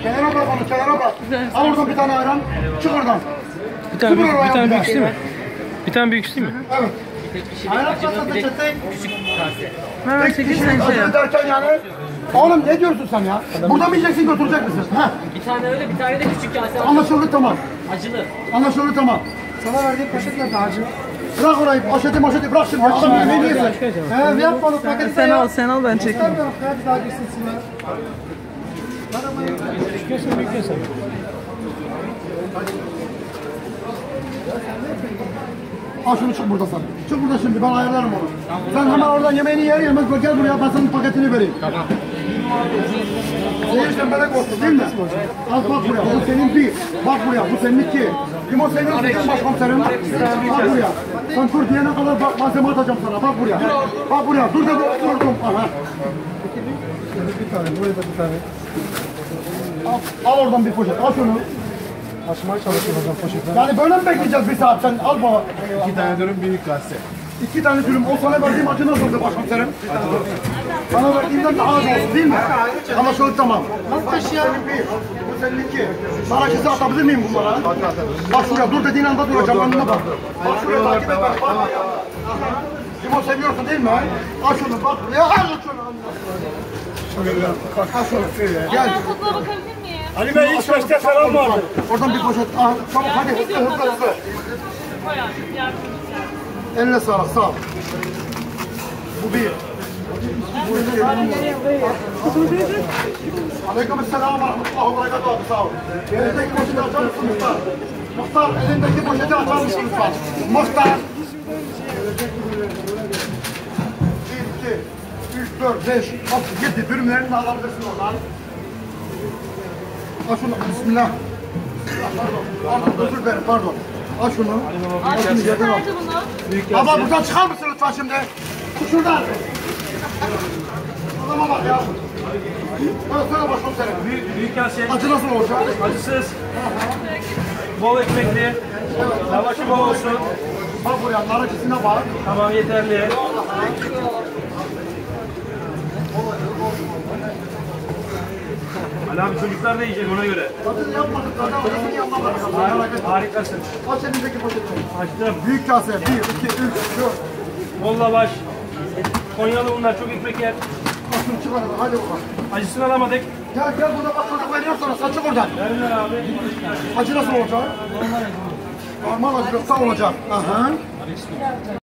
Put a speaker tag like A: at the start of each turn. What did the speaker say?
A: Kenara bırak onu, kenara bırak. Al oradan bir tane ayran. Çık oradan.
B: Bir tane büyük değil mi? Bir tane büyük değil mi?
A: Evet. Ayran kasası çektik.
C: Küçük kase.
D: Hemen çekil sen şey yap.
A: Derken yani. Oğlum ne diyorsun sen ya? Burada mı yiyeceksin, götürecek misin? Heh.
C: Bir tane öyle, bir tane de küçük kase.
A: Anlaşıldı, tamam.
C: Acılı.
A: Anlaşıldı, tamam. Sana verdiğim poşet nerede hacı? Bırak orayı, poşeti bırak şimdi. Adam yemeğini yesin. He, yapma onu, paketi
D: Sen al, sen al ben çekeyim.
A: İstemiyorum, hadi daha girsin sinir. Al şunu, çık burada sen. Çık burada şimdi, ben ayarlarım onu. Sen hemen oradan yemeğini yer yemez gel buraya, ben senin paketini vereyim. Tamam. Sen melek olsun değil mi? Al bak buraya, bu senin bir. Bak buraya, bu senin iki. Limon seviyorsun değil mi başkomiserim? Bak buraya. Sen dur diyene kadar bak, malzeme atacağım sana, bak buraya. Bak buraya, dur dedim, durdum. Aha. Bir tane, buraya da bir tane. Al oradan bir poşet, al şunu. Açmaya çalışıyorum hocam poşetten. Yani böyle mi bekleyeceğiz bir saat, sen al bana.
E: 2 tane dürüm büyük gazete.
A: 2 tane dürüm, o sana verdiğim acı nasıldı başkomiserim? Sana verdiğimden daha az olsun değil mi? Ama şöyle tamam. Nasıl taşıyalım? Bu senin iki. Sana kızı atabilir miyim bunlara? Bak şuraya, dur dediğin anda duracağım, önüne bak. Bak şuraya takip et, bak. Bak. Limon seviyorsun değil mi? Al şunu, bak. Ya al şunu. Al şunu. Gel.
F: Ben tadına bakabilir miyim?
E: Ali Bey ilk başta selam vardı.
A: Oradan bir poşet. Ah, çabuk hadi, hızlı.
F: Koy abi, yardımcı.
A: Eline sağlık, sağ ol. Bu bir. Bu iki. Aleykümselam ve rahmetullahi ve berekatuhu abi, sağ ol. Elindeki poşeti açar mısın Muhtar? Muhtar, elindeki poşeti açar mısın lütfen? Muhtar. 1, 2, 3, 4, 5, 6, 7 dürümlerini de alabilirsin oradan. Al şunu, bismillah. Pardon, özür dilerim, pardon. Al şunu. Al şunu, yerden al.
F: Nerede bunu?
A: Baba buradan çıkar mısın lütfen şimdi? Çık şuradan. Adama bak ya. Bana söyle başkomiserim.
E: Büyük kase.
A: Acı nasıl olacak?
E: Acısız. Bol ekmekli. Lavaşı bol olsun.
A: Bak buraya, nar acısına bak.
E: Tamam yeterli. Ali abi çocuklar da yiyecek ona göre.
A: Acını yapmadık zaten, acısını yapmadık. Merak etme.
E: Harikasın.
A: Aç elindeki poşeti.
E: Açtım.
A: Büyük kase. 1, 2, 3, 4.
E: Bol lavaş. Konyalı bunlar çok ekmek yer.
A: Al şunu çık aradan, hadi bakalım.
E: Acısını alamadık.
A: Gel burada bak, çocuk veriyor sana, sen çık oradan.
E: Verdiler abi.
A: Acı nasıl olacak? Normal acı. Normal acı olacak. Aha.